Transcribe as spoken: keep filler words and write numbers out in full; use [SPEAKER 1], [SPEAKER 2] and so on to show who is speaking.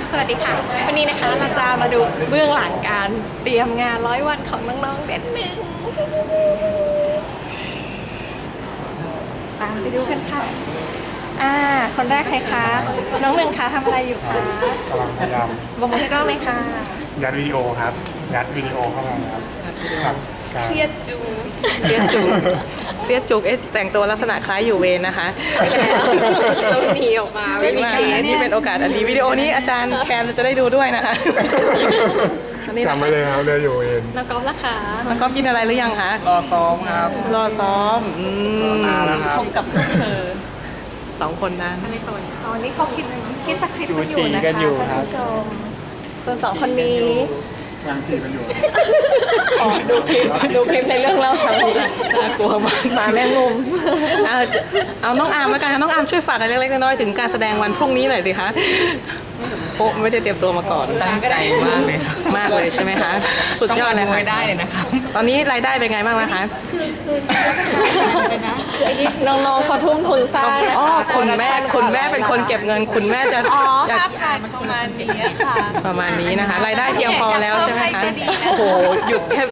[SPEAKER 1] สวัสดีค่ะวันนี้นะคะเราจะมาดูเบื้องหลังการเตรียมงานร้อยวันของน้องๆเด็ดหนึ่งตามไปดูกันค่ะอ่าคนแรกใครคะน้องหนึ่งคะทำอะไรอยู่คะ
[SPEAKER 2] กำลังพยายาม
[SPEAKER 1] บอกมือให้กล้องเลยค่ะ
[SPEAKER 2] ยัดวิดีโอครับยัดวิดีโอเข้ามาครับกับการ
[SPEAKER 1] เครียดจู
[SPEAKER 3] เรียกจุกเรียกจุกเอ๊ะแต่งตัวลักษณะคล้ายอยู่เวรนะคะ
[SPEAKER 1] แล้วเราหนีออกมาไม่มี
[SPEAKER 3] ว่า
[SPEAKER 1] เคส
[SPEAKER 3] นี่เป็นโอกาสอันดีวิดีโอนี้อาจารย์แคนจะได้ดูด้วยนะคะอันนี้นะ
[SPEAKER 2] จำไว้เลยครับเรืออยู่เอง
[SPEAKER 1] น้องก๊อฟล่ะคะ
[SPEAKER 3] แล้วก็กินอะไรหรือยังคะ
[SPEAKER 2] รอซ้อมครับ
[SPEAKER 3] รอซ้อมอืม
[SPEAKER 2] มาแล้วครับ
[SPEAKER 1] ผมกับเธอ
[SPEAKER 3] สองคนนั้น
[SPEAKER 1] ตอนนี้เขาคิดคิดสคริปต์กันอยู่
[SPEAKER 2] จูจี
[SPEAKER 1] นะ
[SPEAKER 2] กั
[SPEAKER 1] คะ
[SPEAKER 2] นอยู่ค
[SPEAKER 1] ท่า
[SPEAKER 2] รับ
[SPEAKER 1] นผู้ชมส่วนสองคนนี้
[SPEAKER 2] ยังจีกันอยู่
[SPEAKER 1] อ๋อดูคลิปดูคลิปในเรื่องเล่าสามี
[SPEAKER 3] น่ากลัวมาก
[SPEAKER 1] มาแม่งมุม
[SPEAKER 3] เอาเอาน้องอาร์มแล้วกันค่ะน้องอาร์มช่วยฝากอะไรเล็กๆน้อยๆถึงการแสดงวันพรุ่งนี้หน่อยสิคะโอ้ไม่ได้เตรียมตัวมาก่อน
[SPEAKER 4] ตั้งใจมากเลย
[SPEAKER 3] มากเลยใช่ไหมคะสุดยอดเลย
[SPEAKER 4] ต้อง
[SPEAKER 3] ค่ะ
[SPEAKER 4] มาดูให้ได้เลยนะครับ
[SPEAKER 3] ตอนนี้รายได้เป็นไงบ้างนะคะ
[SPEAKER 1] คือไอ้นี่น้องๆเขาทุ่มทุนสร้างนะ
[SPEAKER 3] อ๋อ
[SPEAKER 1] คะ
[SPEAKER 3] คุณแม่คุณแม่เป็นคนเก็บเงินคุณแม่จะ
[SPEAKER 1] อ๋อ
[SPEAKER 3] อยาก
[SPEAKER 1] ห้าพันประมาณนี้ค่ะ
[SPEAKER 3] ประมาณนี้นะคะ รายได้เพียงพอแล้วใช่ไหมคะ
[SPEAKER 1] เพิ่มให้ก็ดีนะคะ
[SPEAKER 3] โอ้โห หยุดแค่